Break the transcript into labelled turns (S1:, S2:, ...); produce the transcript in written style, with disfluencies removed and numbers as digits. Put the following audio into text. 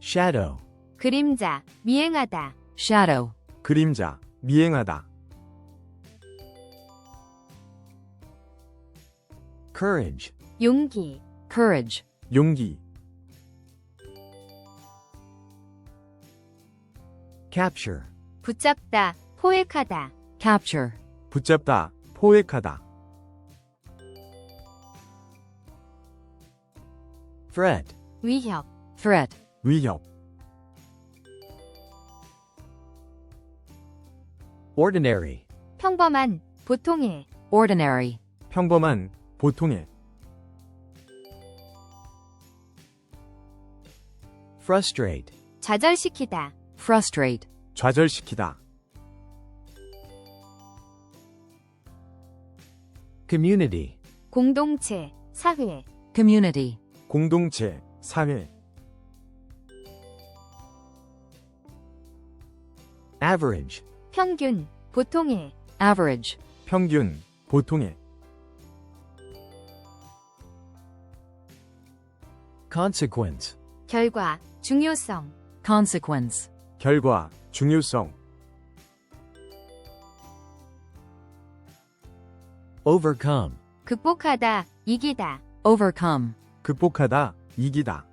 S1: shadow,
S2: 그림자, 미행하다.
S3: shadow,
S1: 그림자, 미행하다. courage,
S2: 용기,
S3: courage,
S1: 용기. capture,
S2: 붙잡다, 포획하다.
S3: capture,
S1: 붙잡다, 포획하다. threat,
S2: 위협,
S3: threat,
S1: 위협. ordinary,
S2: 평범한, 보통의.
S3: ordinary,
S1: 평범한, 보통의. frustrate,
S2: 좌절시키다.
S3: frustrate,
S1: 좌절시키다. community,
S2: 공동체, 사회.
S3: community,
S1: 공동체, 사회. average,
S2: 평균, 보통의.
S3: average,
S1: 평균, 보통의. consequence,
S2: 결과, 중요성.
S3: consequence,
S1: 결과, 중요성. overcome,
S2: 극복하다, 이기다.
S3: overcome,
S1: 극복하다, 이기다.